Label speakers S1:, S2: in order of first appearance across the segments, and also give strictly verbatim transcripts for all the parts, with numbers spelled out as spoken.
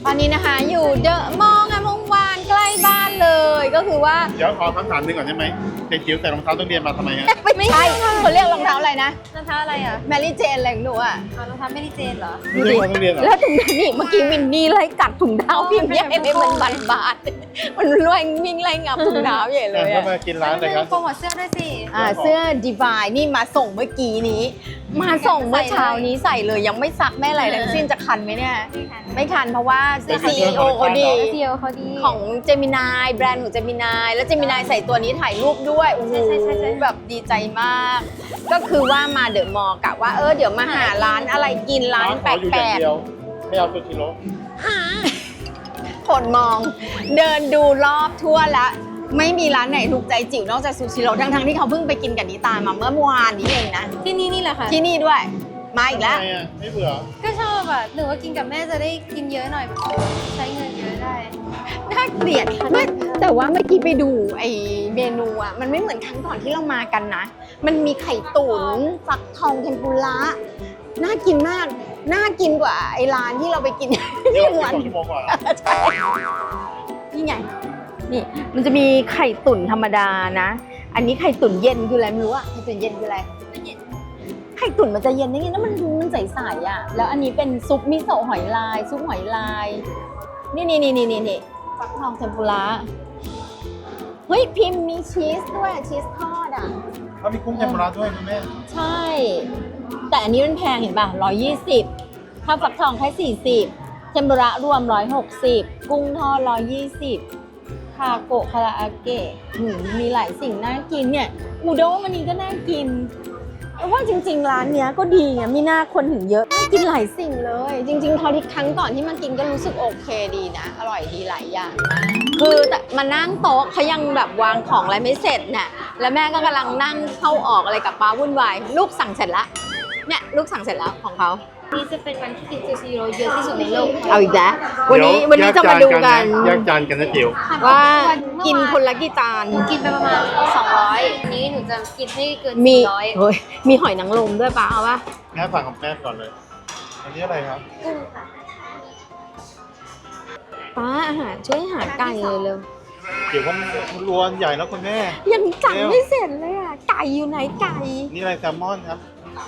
S1: อนนี้นะคะอยู่เดอะมอลล์งามวงวานใกล้บ้านเลยก็คือว่า
S2: เดี๋ยวขอคำถามหนึงก่อนได้ไหมเด็กจิ๋วใส่รองเท้าต้องเรียนมาทำไมฮะ
S1: ไม่ใช่เขาเรียกรองเท้าอะไรนะ
S3: รองเท้าอะไรอ่ะ
S1: แมรี่เจนอะไรของหนูอ่ะ
S3: อ๋อรองเท้าแมรี่เจนเหรอ
S2: ไม่ใช่ต้องเรียนเหรอ
S1: แล้วถุงเท้านี่เมื่อกี้วินนี่ไล่กัดถุงเท้าพี่ใหญ่เลยมันบานบานๆมันรวยวิ่งไล่งับถุงเท้าใหญ่เลย
S2: แล้ว
S1: อะ
S2: มากินร้านอะไรครับ
S3: โปรโมทเสื้อด้วยสิ
S1: อ่าเสื้อ Divine นี่มาส่งเมื่อกี้นี้ มาส่งเมื่อเช้านี้ใส่เลยยังไม่ซักไม่อะไรทั้งสิ้นจะคันไหมเนี่ยไม่คันเพราะว่าเสื้อ ซี อี โอ เขาดี
S3: เดียวเขาดี
S1: ของเจมินายแบรนด์ของเจมินายแล้วเจมินายใส่ตัวนี้ถ่ายรูปด้วยโอ้โหแบบดีใจมาก ก็คือว่ามาเดอะมอลล์กะว่าเออเดี๋ยวมาหาร้านอะไรกินร้านแป
S2: ขออยู่อย่าง
S1: ลก
S2: เดียวไม่เอาซูชิโร่
S1: ๆผลมอง เดินดูรอบทั่วแล้วไม่มีร้านไหนถูกใจจิ๋วนอกจากซูชิโร่ทั้งๆที่เขาเพิ่งไปกินกับนิตามาเมื่อวานนี้เองนะ
S3: ที่นี่นี่แหละค่ะ
S1: ที่นี่ด้วยมาอีกแล้ว
S2: ทำไมอ่ะไม่เบื่อ
S3: ก็ชอบอ่ะหนูว่ากินกับแม่จะได้กินเยอะหน่อย ใช้เงินเยอะได้
S1: น่าเกลียดไม่แต่ว่าเมื่อกี้ไปดูไอ้เมนูอ่ะมันไม่เหมือนครั้งก่อนที่เรามากันนะ มันมีไข่ตุ๋นฟักทองเทมปุระน่ากินมากน่ากินกว่าไอ้ร้านที่เราไปกิน
S2: นี่
S1: ที่
S2: เรา
S1: วัน
S2: สองชั่วโมงกว่า
S1: ใช่นี่ไงนี่มันจะมีไข่ตุ๋นธรรมดานะ อันนี้ไข่ตุ๋นเย็นคืออะไรไม่รู้อะไข่ตุ๋นเย็นคืออะไรไข่ตุ๋นมันจะเย็นได้ไงแล้วมันดูมันใสๆอ่ะแล้วอันนี้เป็นซุปมิโซะหอยลายซุปหอยลายนี่นี่นี่นี่นี่ฟักทองเทมปุระเฮ้ยพิมพ์มีชีสด้วยชีสทอดอ่ะ
S2: เขามีกุ้งเทมปุระด้วยนะแม่
S1: ใช่ แต่อันนี้มันแพงเห็นป่ะร้อยยี่สิบข้าวฟักทองแค่สี่สิบเทมปุระรวมร้อยหกสิบกุ้งทอดร้อยยี่สิบคาโกะคาราอาเกะหืมมีหลายสิ่งน่ากินเนี่ยอูด้งอันนี้ก็น่ากินแต่ว่าจริงๆร้านเนี้ยก็ดีไงมีหน้าคนถึงเยอะน่ากินหลายสิ่งเลย จริงๆเท่าที่ครั้งก่อนที่มากินก็รู้สึกโอเคดีนะ อร่อยดีหลายอย่างมากคือแต่มานั่งโต๊ะเขายังแบบวางของอะไรไม่เสร็จน่ะแล้วแม่ก็กำลังนั่งเข้าออกอะไรกับป้าวุ่นวายลูกสั่งเสร็จแล้วเนี่ยลูกสั่งเสร็จแล้วของเขา
S3: นี่จะเป็นวันที่กินซูชิโร่เยอะที่สุดในโลก
S1: เอาอีกแล้ววันนี้
S2: เดี๋ย
S1: วันนี้จะมาดูกัน
S2: แยกจานกันนะจิ๋ว
S1: ว่ากินคนละกี่จาน
S3: หนูกินไปประมาณสองร้อยอันนี้หนูจะกินให้เกิน
S1: มี
S3: สี่ร้อย
S1: เฮ้ยมีหอยนางรมด้วยป้าเอาปะ
S2: แม่สั่งกับแม่ก่อนเลย อันนี้อะไรครับ
S3: กุ้งค่ะ
S1: ป้าอาหารช่วยหาไก่เลยเร็ว
S2: จิ๋วมันรวนใหญ่แล้วคุณแม่
S1: ยังจังไม่เสร็จเลยอ่ะไก่อยู่ไหนไก่
S2: นี่อะไรแซลมอนครับ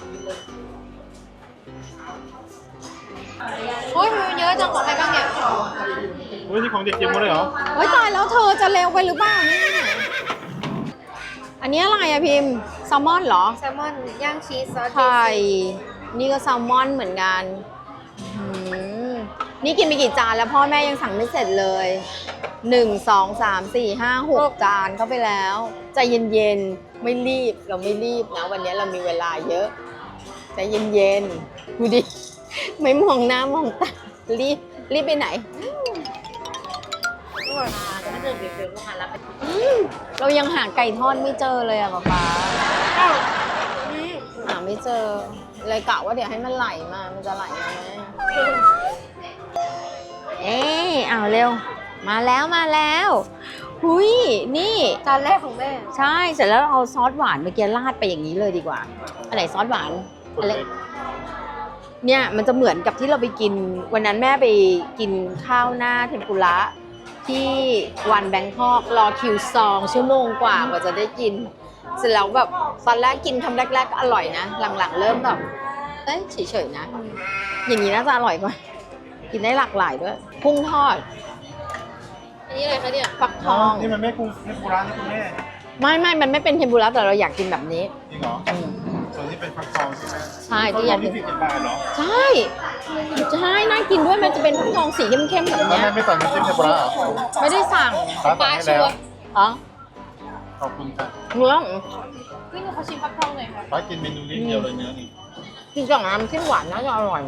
S3: โอ้ยมันเยอะจังของใครบ้างเนี่ย
S2: โอ้ยนี่ของเด็กจิ๋วหมดเลยเหรอ
S1: เฮ้ยตายแล้วเธอจะเร็วไปหรือเปล่าเนี่ยอันนี้อะไรอะพิมพ์แซลมอนเหรอ
S3: แซลมอนย่างชีสซอสเบ
S1: ไข่
S3: สิก
S1: นี่ก็แซลมอนเหมือนกันอืมนี่กินไปกี่จานแล้วพ่อแม่ยังสั่งไม่เสร็จเลยหนึ่งสองสามสี่ห้าหกจานเข้าไปแล้วใจเย็นๆไม่รีบเราไม่รีบนะวันนี้เรามีเวลาเยอะใจเย็นๆดูดิไม่มองหน้ามองตารีบรีบไปไหนอืมเรายังหาไก่ทอดไม่เจอเลยอะป๊าป๊าหาไม่เจอเลยกะว่าเดี๋ยวให้มันไหลมามันจะไหลมาไหมเอ๊ะเอาเร็วมาแล้วมาแล้วหุยนี่
S3: จานแรกของแม่
S1: ใช่เสร็จแล้วเราเอาซอสหวานเมื่อกี้ราดไปอย่างนี้เลยดีกว่าอันไหนซอสหวานอะไรเนี่ยมันจะเหมือนกับที่เราไปกินวันนั้นแม่ไปกินข้าวหน้าเทมปุระที่วันแบงคอกรอคิวซองชั่วโมงกว่ากว่าจะได้กินเสร็จแล้วแบบตอนแรกกินคำแรกๆก็อร่อยนะหลังๆเริ่มแบบเอ้ยเฉยๆนะอย่างนี้น่าจะอร่อยกว่ากินได้หลากหลายด้วยกุ้งทอด
S3: อันนี้อะไรคะเนี่ย
S1: ฟักทอง
S2: นี่มันไม่กุ้งเทมปุระนะคุณแม่
S1: ไม่ไม่มันไม่เป็นเทมปุระแต่เราอยากกินแบบนี้
S2: จริงเหรอ
S1: อืม
S2: ส่วนนี้เป็นฟักทองใช่ไหม
S1: ใช่
S2: ฟัก
S1: ที่
S2: ท
S1: อ
S2: อย
S1: าง กกิ
S2: ที่
S1: น
S2: สี่สิบบาทเหรอ
S1: ใช่ใช่น่ากินด้วยมันจะเป็นฟักทองสีเข้มๆแบบ
S2: แล้ว
S1: เนี้ย
S2: แม่ไม่สั่งน้ำจิ้มเทมปุระเหรอ
S1: ไม่ได้สั่ง
S2: ป้าสั่งให้แล้ว
S1: อ๋อ
S2: ขอบคุณค่ะ
S1: เนื้อ
S3: พี่หนูขอชิมฟักทองหน่อยค่ะ
S2: ป้ากินเมนูนี้เดียวเลยเนื้อนี่
S1: กินกับน้ำจิ้มหวานน่าจะอร่อย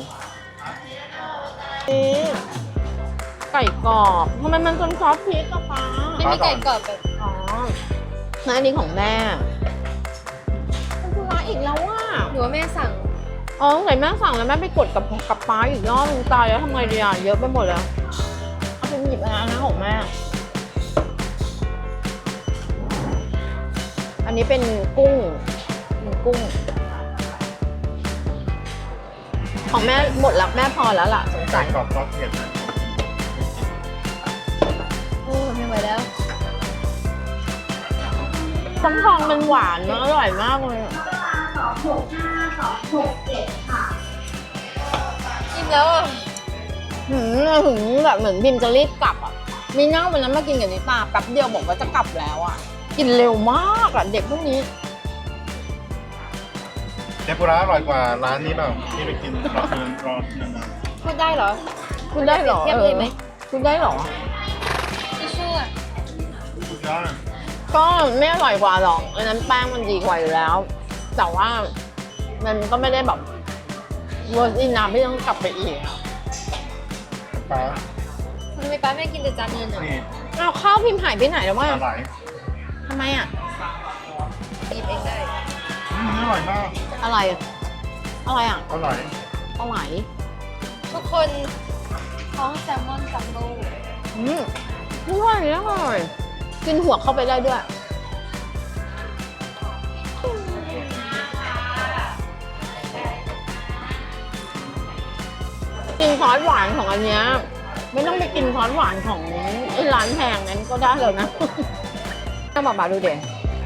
S1: นี่ไก่กรอบทำไมมันเป็นซอสพริกอะป้า
S3: ไม่มีไก่กรอบแบบ
S1: อ๋อแล้วอันนี้ของแม่มันคือร้านอีกแล้วว่ะ
S3: หนูว่าแม่สั่ง
S1: อ๋อไหนแม่สั่งแล้วแม่ไปกดกับกับป้าอีกรอบนึงตายแล้วทำไงดีอ่ะเยอะไปหมดแล้วเอาไปหยิบอันนั้นของแม่อันนี้เป็นกุ้งเป็นกุ้ง ของแม่หมดแล้วแม่พอแล้วล่ะสงสั
S2: ไก่
S1: ย
S2: กรอบซอสเผ็ดนะ
S3: ไปแล้ว
S1: ฟักทองมันหวานนะอร่อยมากเลยอะ
S3: กินแล้วอ่ะ
S1: หืมถึงแบบเหมือนพิมจะรีบกลับอ่ะมีนั่งวันนั้นมากินกับนิตาแป๊บเดียวบอกว่าจะกลับแล้วอ่ะกินเร็วมากอ่ะเด็กพวกนี้
S2: เทมปุระอร่อยกว่าร้านนี้เปล่าที่ไปกินรอเชิญรอนาน
S3: พูดได้เหรอ
S1: คุณได้เหรอ
S3: เทียบเลยไหม
S1: ออคุณได้เหรอ
S3: ทิชชู่อ่ะ
S2: ๆสุดยอด
S1: ก็ไม่อร่อยกว่าหรอกอันนั้นแป้งมันดีกว่าอยู่แล้ว แต่ว่ามันก็ไม่ได้แบบเวอร์ซินน้ำที่ต้องกลับไปอีกอะ
S2: ปลา
S3: ทำไมป้าไม่กินแต่จานเงินอ่ะ
S2: นี่
S1: เอาข้าวพิมพ์หายไปไหนแล้ววะ
S2: ปลาไหล
S1: ทำไมอ่ะ
S3: กินเองได้
S2: อืมอร่อยมาก
S1: อะไรอะอะไรอ่ะ
S2: ปลาไหล
S1: ปลาไหล
S3: ทุกคนท้องแซลมอนจัมโบ้
S1: อืมอร่อยอร่อยกินหัวเข้าไปได้ด้วย กินซอสหวานของอันเนี้ยไม่ต้องไปกินซอสหวานของไอ้ร้านแพงนั้นก็ได้เลยนะถ้าบอกมาดูเด็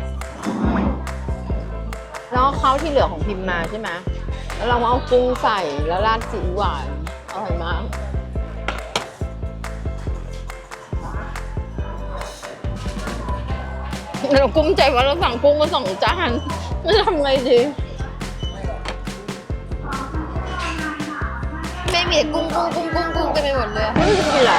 S1: แล้วข้าวที่เหลือของพิมพ์มาใช่ไหมแล้วเรามาเอากุ้งใส่แล้วราดซีอิ๊วหวานอร่อยมากเรากุ้มใจว่าเราสั่งกุ้งมาสองจานจะทำไงดี
S3: แม่มีแต่กุ้งกุ้งกุ้งกุ้งกุ้งเต็มไปหมดเลย
S1: ไม่รู้จะกินอะไร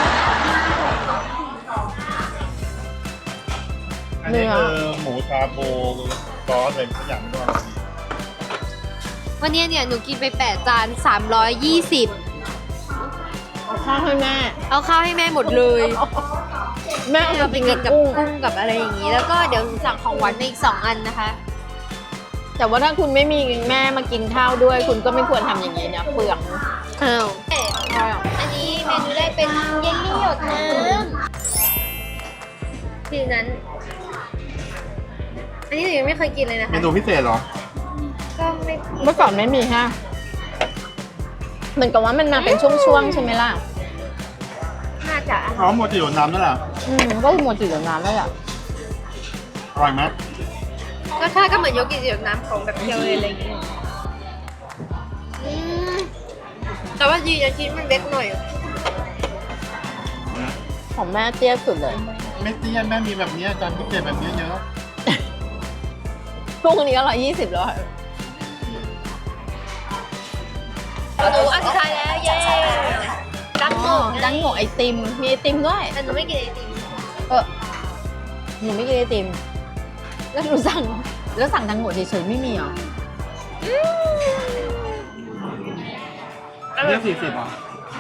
S2: อันนี้คือหมูชาโบซอสอะไรสักอย่างไม่รู้อะไร
S3: วันนี้เนี่ยหนูกินไปแปดจานสามร้อยยี่สิบ
S1: เอาข้าวให้แม่
S3: เอาข้าวให้แม่หมดเลย
S1: แม่เอา
S3: เรา
S1: ไป
S3: ไป
S1: กิ
S3: กิ
S1: น
S3: น
S1: กั
S3: กั
S1: บบ กุ้ง
S3: กุ้งกับอะไรอย่างนี้ แล้วก็เดี๋ยวหนูสั่งของหวานมาอีกสองอันนะคะ
S1: แต่ว่าถ้าคุณไม่มีแม่มากินข้าวด้วย คุณก็ไม่ควรทำอย่างนี้นะเปลือง
S3: อ้าวอันนี้เมนูแรกเป็นเยลลี่หยดน้ำทีนั้น อันนี้หนูยังไม่เคยกินเลยนะ
S2: เม
S3: คะ
S2: นูพิเศษเหรอ
S3: ก็ไม่
S1: เมื่อก่อนไม่มีฮะเหมือนกับว่ามันมาเป็นช่วงๆใช่ไหมล่ะ
S3: น่าจะ
S2: อ๋อโมจิโดน้ำนั่นแหละ
S1: อืมก็คือโมจิกับน้ำแล้วแหละ
S2: อร่อยไหม
S3: รสชาติก็เหมือนโยเกิร์ตหยดน้ำของแบบเคียวเลยอะไรอย่างเงี้ยอืมแต่ว่าดีนะชิ้นมันเล็กหน่อย
S1: ของแม่เตี้ยสุดเลย
S2: ไม่เตี้ยนแม่มีแบบนี้จานพิเศษแบบนี้เยอะ
S1: กุ้งอันนี้ก็ร้อยยี่สิบแล้วอะ
S3: เราดูอันสุดท้ายแล้ว เย้ดังโง่
S1: ดังโง่ไอติม มีไอติมด้วย
S3: แต่หนูไม่กินไอติม
S1: เออหนูไม่กินไอติม แล้วหนูสั่ง แล้วสั่งดังโง่เฉยๆไม่มีเหรอ
S2: เรียกสี่สิบอ่ะ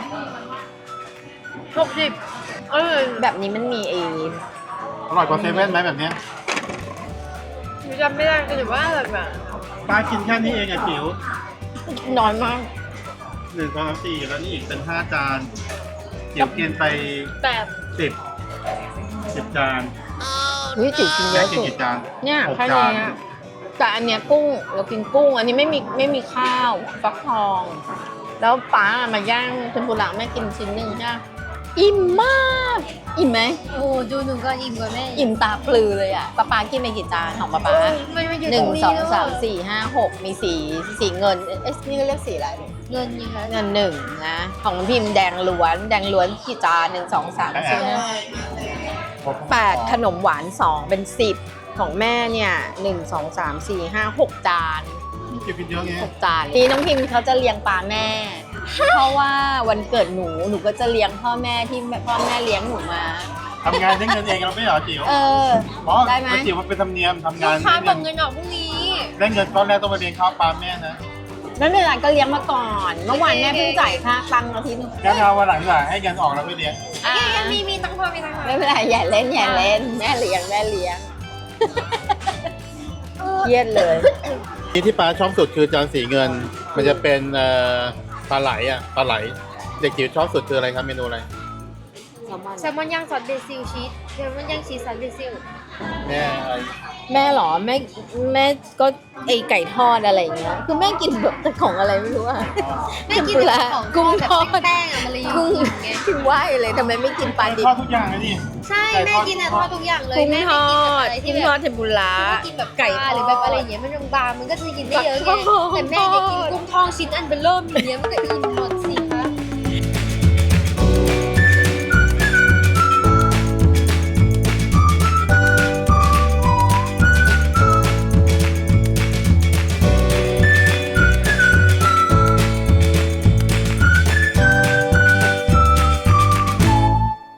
S3: หกสิบเออ
S1: แบบนี้มันมีไอ
S2: อร่อยกว่าเซเว่นไหมแบบเนี้ย
S3: หนูจำไม่ได้แต่ว่าอร่อยกว่า
S2: ป้ากินแค่นี้เองอะจิ๋ว
S1: น้อยมาก
S2: หนึ่งสองสามสี่แล้วนี่อีกเป็นห้าจานจิ๋วกินไป
S3: แปด
S2: สิบสิบจาน
S1: อุ้ยจิ๋วกินเย
S2: แม่
S1: อะ
S2: กิน
S1: สุด
S2: กี่จาน
S1: เนี่ย
S2: หก
S1: แค่
S2: จา
S1: นี้
S2: น
S1: อะแต่อันเนี้ยกุ้งเรากินกุ้ง อันนี้ไม่มีไม่มีข้าวฟักทอง แล้วป้ามาย่างเทมปุระแม่กินชิ้นหนึ่งใช่ไหมอิ่มมาก อิ่มไหม
S3: โอ้ดูหนูก็อิ่มกว่าแม่
S1: อิ่มตาปลือเลยอ่ะป้าป้ากินไปกี่จานของป้าป้า
S3: มันมาอยู่
S1: ห
S3: ตร
S1: นึ่ง
S3: งนี้
S1: สอง
S3: แล้ว
S1: สามสี่ห้าหกมีสีสีเงิน เอ๊ะนี่ก็เรียกสีอะไร
S3: เงินยังไง
S1: เงินหนึ่งนะ ของพิมพ์แดงล้วน แดงล้วนกี่จานหนึ่งสองสามสี่ห้าแปดขนมหวานสองเป็นสิบของแม่เนี่ยหนึ่งสองสามสี่ห้าหกจาน
S2: จิ๋วกินเยอะไง
S1: หกจานนี่น้องพิมพ์เขาจะเลี้ยงปลาแม่ เพราะว่าวันเกิดหนูหนูก็จะเลี้ยงพ่อแม่ที่พ่อแม่เลี้ยงหนูมา
S2: ทำงานได้เงินเองเราไม่เหรอจิ๋ว
S1: เออ
S2: เพราะ
S1: ได้ไหม
S2: จิ๋วมันเป็นธรรมเนียมทำ
S3: ลู
S2: งาน
S3: กค้า
S2: ได้
S3: บ
S2: เงิ
S3: อน กเงินออกพรุ่งนี้
S2: ได้เงินก้อนแรกต้องมาเลี้ยงข้าวปลาแม่นะ
S1: ไม่เป็นไรก็เลี้ยงมาก่อน เมื่อวานแม่เพิ่งจ่ายค่าตังค์อาทิตย์หนึง
S2: งั้นเอาวันหลังหลังให้เงินออกแล้วไปเลี้ยง
S1: อ่ะ
S3: ยังมีมีตังค์พอมีตังค์พอ
S1: ไม่เป็นไรอย่าเล่นอย่าเล่นแม่เลี้ยงแม่เลี้ยงเครียดเลย
S2: ที่ที่ปลาชอบสุดคือจานสีเงิน มันจะเป็นเอ่อปลาไหลอ่ะปลาไหล เด็กจิ๋วชอบสุดคืออะไรครับเมนูอะไร
S3: แซลมอนย่างซอสเบซิลชีสแซลมอนย่างชีสซอสเบซิล
S2: แม่อะไร
S1: แม่เหรอแม่แม่ก็ไอไก่ทอดอะไรอย่างเงี้ยคือแม่กินแบบแต่ของอะไรไม่รู้อะ
S3: แม่กินแต่ของ
S1: กุ้งทอด
S3: แบบแป้งๆอะมันเลยอยู่
S1: กุ้ง
S3: ไง
S1: ถึงว่าเลยทำไมไม่กินปลาดิบ
S2: ทอดทุกอย่างเลยนี่
S3: ใช่แม่กินอะทอดทุกอย่างเลย
S1: กุ้ง
S3: แม่
S1: ท
S3: ไม่
S1: อ
S3: กินแบบ
S1: ด
S3: อะไรที่
S1: กุ้ง
S3: แบ
S1: ทอบ ดเทมปุระ
S3: ไม่กินแบบ
S1: ไก่
S3: ไก่หรือแบบอะไรอย่างเงี้ยมันบางๆมันก็จะกินได้เยอะไง
S1: ฟักทอง
S3: แต่แม่เนี่ยกินกุ้งทองชิ้นอันเบลเริ่มอย่างเงี้ยมันก็อิ่มหมด